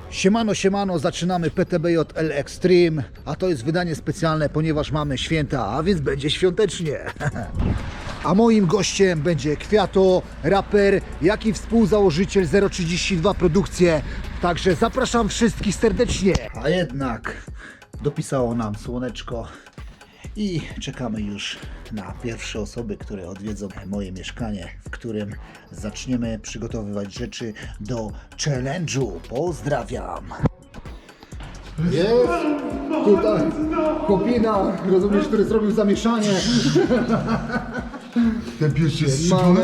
Siemano, siemano, zaczynamy PTBJ L Extreme, a to jest wydanie specjalne, ponieważ mamy święta, a więc będzie świątecznie. A moim gościem będzie Kwiato, raper, jak i współzałożyciel 032 Produkcje. Także zapraszam wszystkich serdecznie. A jednak dopisało nam słoneczko i czekamy już na pierwsze osoby, które odwiedzą moje mieszkanie, w którym zaczniemy przygotowywać rzeczy do challenge'u. Pozdrawiam! Jest tutaj chłopina, rozumiesz, który zrobił zamieszanie. Ten pies jest Mano.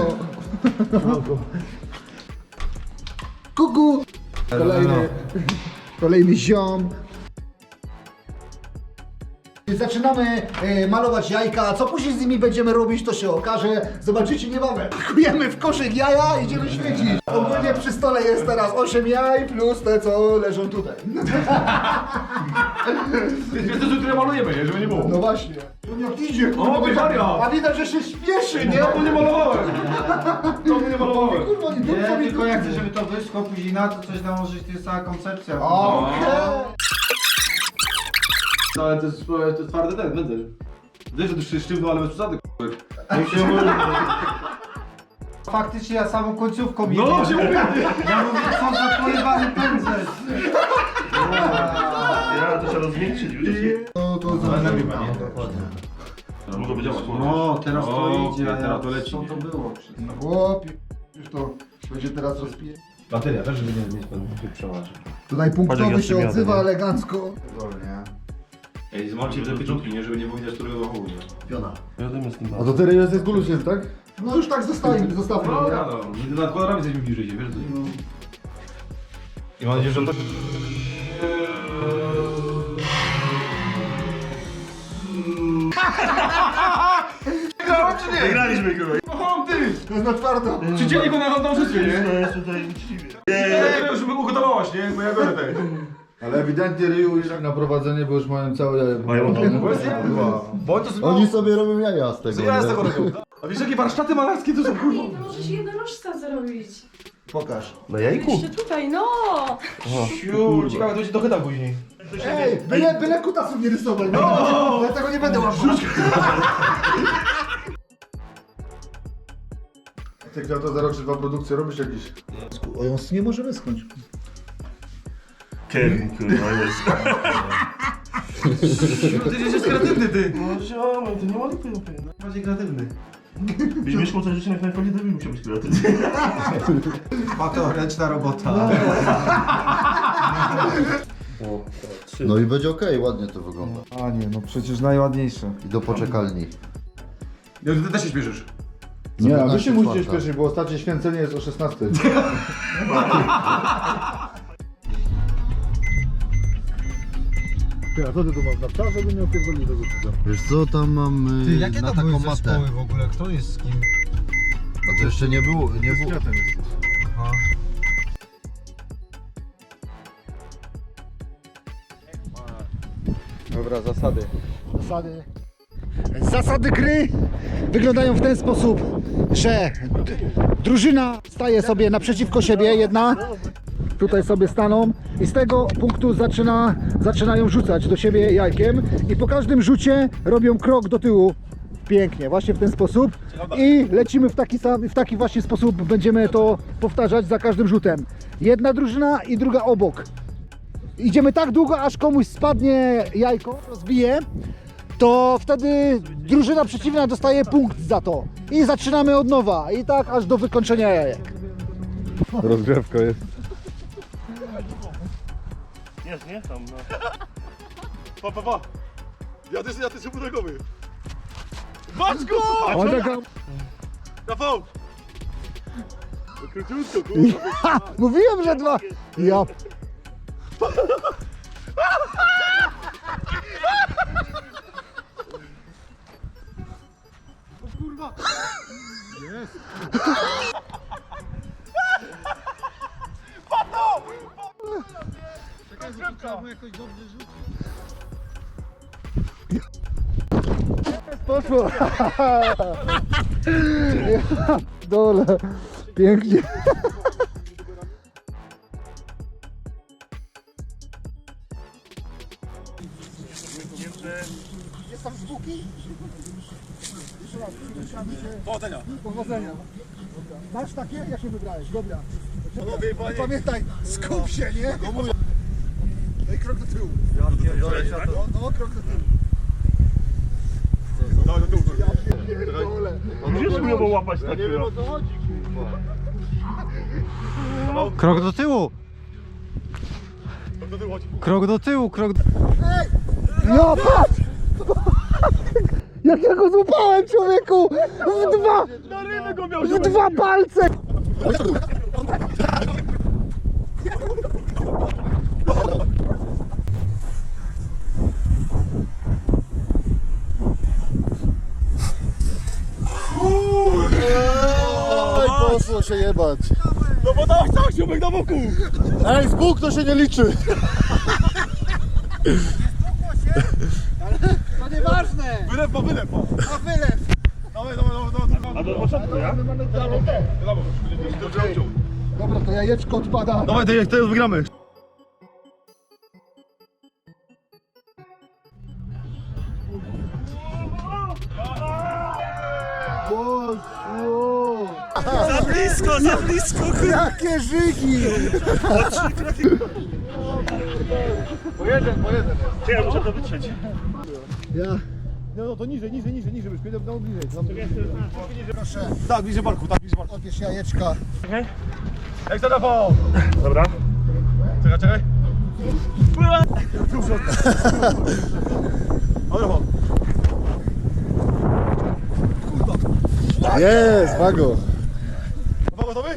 Kuku! Kolejny ziom. Zaczynamy malować jajka, co później z nimi będziemy robić, to się okaże. Zobaczycie niebawem. Pakujemy w koszyk jaja, idziemy świecić. Ogólnie przy stole jest teraz 8 jaj plus te, co leżą tutaj. To jest to, które malujemy, nie? Żeby nie było. No właśnie. On jak idzie, O, Maria! a widać, że się śpieszy, nie? To nie malowałem! To nie malowałem! Kurwa, nie Nie, dupco mi tylko ja chcę, żeby to wyszło później na to coś nałożyć, to jest cała koncepcja. Okej. No ale to jest twardy ten, będę. Wiesz, że to się sztywno, ale bez przesady, Faktycznie ja samą końcówką No, jedę. się mówię! Ja mówię, co za porywany pędzel. Ja to trzeba rozmiękczyć już. To Mogę działać. No, teraz to O, idzie. teraz to leci, Co nie? to było? Chłopie, już to będzie teraz rozpije. Bateria też, żeby nie mieć pan przełaży. Tutaj punktowy Patrz, się jak ja odzywa nie? elegancko. Ej, zmarcie te pieczątki, nie? Żeby nie było widać, którego zachowuje. Piona. Wiadomo z tym A to teraz jest Gulus jest, tak? No już tak zostawmy, No, no, nigdy nad kwadrami jesteśmy bliżej, wiesz? I mam nadzieję, że to... Wygrałem czy nie? Wygraliśmy kurwa. O, ty! To jest na twardo. Czy dzienniku na dążystwie, nie? To jest tutaj uczciwie. Nie, już by ugotowałaś, nie? Bo ja biorę tej. Ale ewidentnie Ryu już na prowadzenie, bo już mają całe jaja. Mają Bo to sobie... Oni sobie robią jaja z tego. Ja z nie? tego robię. A wiesz jakie warsztaty malarskie to są, kurwa? Nie, możesz jednorożca zrobić. Pokaż. Na jajku? Jeszcze tutaj, no! Siu, ciekawe, to będzie dochytał później. Ej, byle kutasów nie rysować. No, dlatego nie będę łapał. Ty Kwiato 032 Produkcje robisz jakiś? O, ją nie może wyschnąć. Kevin kurwa jest. Ty jesteś kreatywny, ty. No ziomy, to nie ma lipy. Bardziej kreatywny. Byś mieszkał całe życie na konie, to bym musiał być kreatywny. A to ręczna robota. No i będzie okej, ładnie to wygląda. A nie, no przecież najładniejsze. I do poczekalni. Ja, ty też się śpieszysz. Nie, No, a wy się musicie czwarta. śpieszyć, bo ostatnie święcenie jest o 16. Ty, a co ty tu masz na psa, żeby nie opierdolił tego psa? Wiesz co, tam mam na taką matę. w ogóle? Kto jest z kim? A to jeszcze nie było, nie było. Dobra, zasady. Zasady gry wyglądają w ten sposób, że drużyna staje sobie naprzeciwko siebie, jedna. Tutaj sobie staną i z tego punktu zaczynają rzucać do siebie jajkiem i po każdym rzucie robią krok do tyłu. Pięknie, właśnie w ten sposób i lecimy w taki właśnie sposób, będziemy to powtarzać za każdym rzutem. Jedna drużyna i druga obok. Idziemy tak długo, aż komuś spadnie jajko, rozbije, to wtedy drużyna przeciwna dostaje punkt za to. I zaczynamy od nowa i tak aż do wykończenia jajek. Rozgrzewka jest. Jest, nie? Tam no. Pa. Ja ty się budogowy. Masz go! On taka... Rafał! Króciutko, kurwa. Ja, mówiłem, że dwa... Ja... Poszło! Ja, dole! Pięknie! Wiem, że... Jest tam zwłoki? Jeszcze raz, przytrzymamy się. Powodzenia. Powodzenia. Masz takie? Jakie wybrałeś? Dobra. Pamiętaj, skup się, nie? No i krok do tyłu. No, krok do tyłu. Dawaj do tyłu. Pierdolę. Musisz umiał łapać tak. Nie wiem o co chodzi, kurwa. Krok do tyłu! Do tyłu chodzi. Krok do tyłu, krok do... Ej! No patrz! Jak ja go złapałem, człowieku! W dwa palce! Ej, poszło się jebać. No bo dawaj cały siubek na boku. Ej, z Bóg to się nie liczy. To nieważne! Wylew ma wylew. A wylew! Dawaj, dawaj, dawaj, dawaj. A do początku, ja? Dobra, to jajeczko odpada. Dawaj, teraz wygramy. Boże! Za blisko, Jakie żygi! Po jeden. Ja muszę to wytrzeć. Ja. No to niżej, niżej, byś no bliżej. Proszę, Tak, bliżej barku, tak, bliżej barku. odbierz jajeczka. Czekaj. Jak za Rafał. Dobra. Czekaj. Dobra, Jest, wago. Rafał gotowy?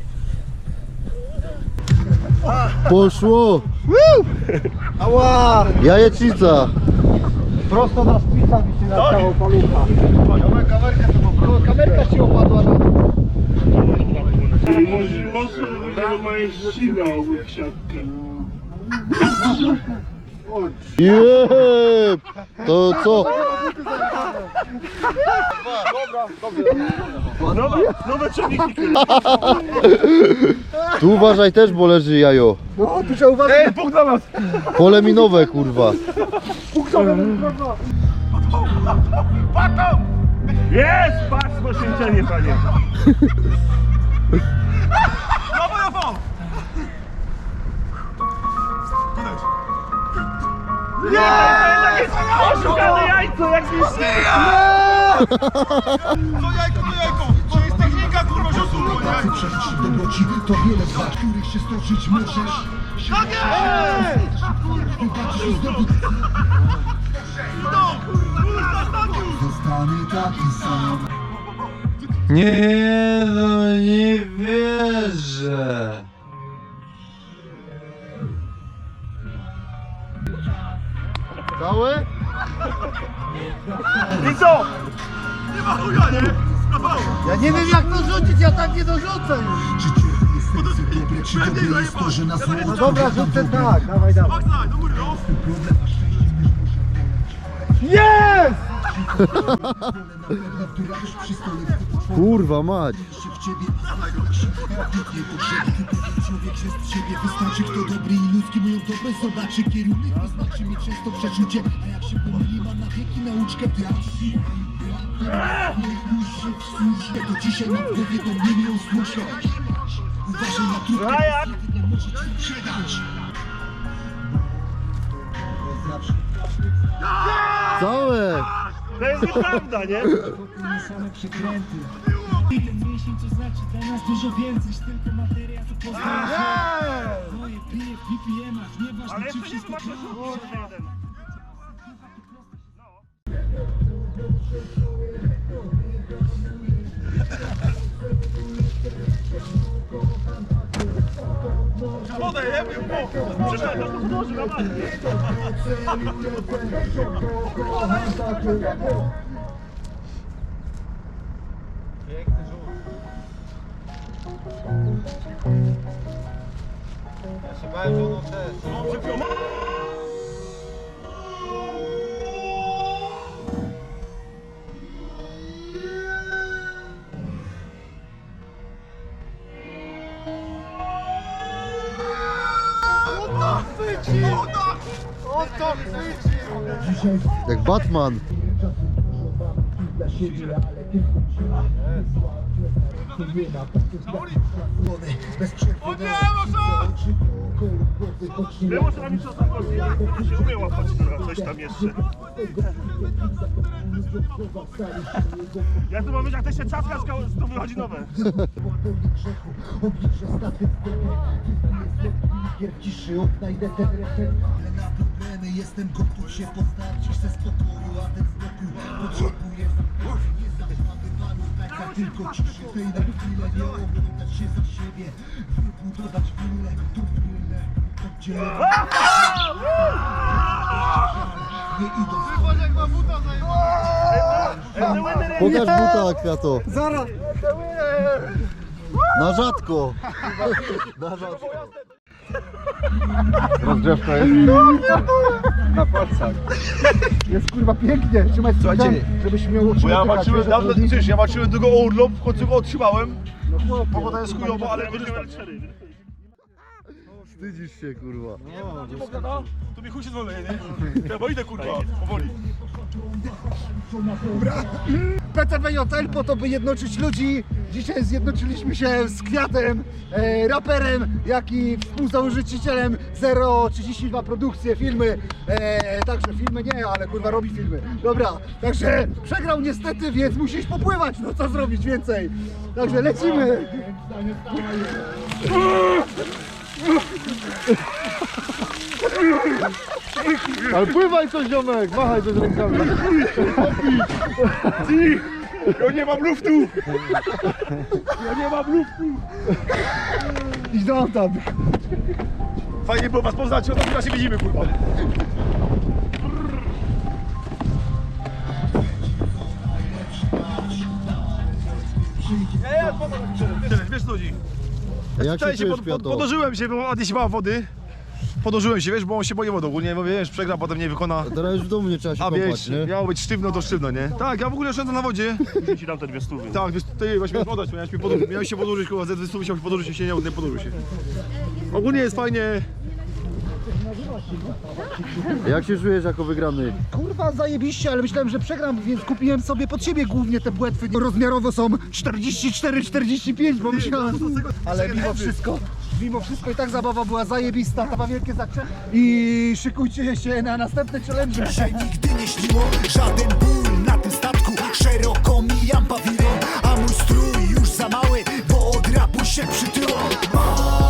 Poszło. Ała! Jajecznica. Prosto na szpica mi się na całą palucha. Kamerkę to poproszę. Kamerka ci opadła na to. Może moje ścigał w siatkę. Jeb! To co? Nowe ciągniki. Tu uważaj też, bo leży jajo. No, tu trzeba uważać. Ej, punkt dla nas. Pole minowe, kurwa. Jest! Patrz, poświęcenie, panie. Dawaj, Rafał. Oszukane jajco, jakieś... To jajko. To jest technika, kurwa, rzutu. Przeżyć dobroci to wiele zła, których się stoczyć możesz. Tak jest! Zostanę taki sam. Nie, no nie wierzę. Całe? I co? Nie ma chuja, nie? Rafał. Ja nie wiem jak to rzucić, ja tak nie dorzucę już. Czy ciepłe jest serce dobre, czy dobre jest to, że na zło No dobra, rzucę tak, dawaj, dawaj. Maksaj, do góry, no. problem, a szczęście Jest! która już przy stole Kurwa mać. się w ciebie nie potrzebny. Człowiek się z siebie wystarczy, kto dobry i ludzki moją dobroć zobaczy. Kierunek wyznaczy mi często przeczucie, a jak się pomyli, ma na wieki nauczkę wiatr. To dzisiaj na głowie to mnie miał słuszno. Uważaj na trudne, A jak? jedynie może ci sprzedać. Całe. To jest nieprawda, nie? Same przekręty. Ten mięsień to znaczy dla nas dużo więcej niż tylko materia, to poznasz. Moje pije w BPM-ach, nieważne Ale czy jeszcze nie wszystko zobaczę, że jeden. Wodę, jemy, Przecież to podłoży na matkę. Ja się bałem, że ono też. Oto chwyci! Oto chwyci! Jak Batman. Dla siebie, ale tylko bez przerwy. O nie, Było co nami co tam chodzi. Ja się umiem łapać coś tam jeszcze. Ja tu mam być, jak też się czaska, to wychodzi nowe. Oblicze statystykę. Jest w ciszy, odnajdę ten refren. Ale na problemy jestem gotów się postawić. Chcę spokoju, a ten spokój potrzebuję. Nie zaczynamy panów, tak tylko ciszy. Tej na chwilę nie oglądać się za siebie. Wybudować willę, tu willę. Oddzielę. Nie idąc. Pokaż buta, Kwiato. Zaraz! Na rzadko. Na rzadko. Rozgrzewka jest. Na palcach. Jest kurwa pięknie. Trzymaj Słuchajcie, żebyś miał Bo ja oddychać, walczyłem wiesz, dawno, o co chodzi? przecież ja walczyłem długo o urlop, w końcu go otrzymałem. No chłopie, Pogoda jest chujowa, ale korzystam. Wstydzisz się, kurwa. Nie mogę, no? To mi chuj się zwolę, nie? Ja bo idę, kurwa, powoli. PTBJL po to, by jednoczyć ludzi. Dzisiaj zjednoczyliśmy się z Kwiatem, raperem, jak i współzałożycielem 032 Produkcje, filmy. Także filmy nie, ale kurwa robi filmy. Dobra, także przegrał niestety, więc musi iść popływać. No co zrobić więcej? Także lecimy. Ale pływaj coś, ziomek, machaj coś rękami. Ja nie mam luftu! Ja nie mam luftu! Idź do auta. Fajnie było was poznać, o to chyba się widzimy, kurwa. Wiesz co chodzi? Jak się Wczoraj czujesz, Kwiato? podłożyłem się, bo Adi się bała wody. Podłożyłem się, wiesz, bo on się boi wody ogólnie, bo wiesz, przegra, potem nie wykona. Teraz już w domu nie trzeba się A kąpać, wiesz, nie? miało być sztywno, to sztywno, nie? Tak, ja w ogóle oszczędzam na wodzie. Muszę ci dam te 200. Tak, wiesz, ty właśnie miałeś oddać, miałeś się podłożyć, kurwa, ze 200 musiał się podłożyć, się nie podłożył się. Ogólnie jest fajnie. Jak się czujesz jako wygrany? Kurwa zajebiście, ale myślałem, że przegram, więc kupiłem sobie pod siebie głównie te płetwy. Rozmiarowo są 44-45, bo myślałem, ale mimo wszystko i tak zabawa była zajebista. Chyba wielkie zaczęcie i szykujcie się na następne challenge. Że nigdy nie śniło żaden ból na tym statku. Szeroko mijam pawilon, a mój strój już za mały, bo od rapu się przytyło.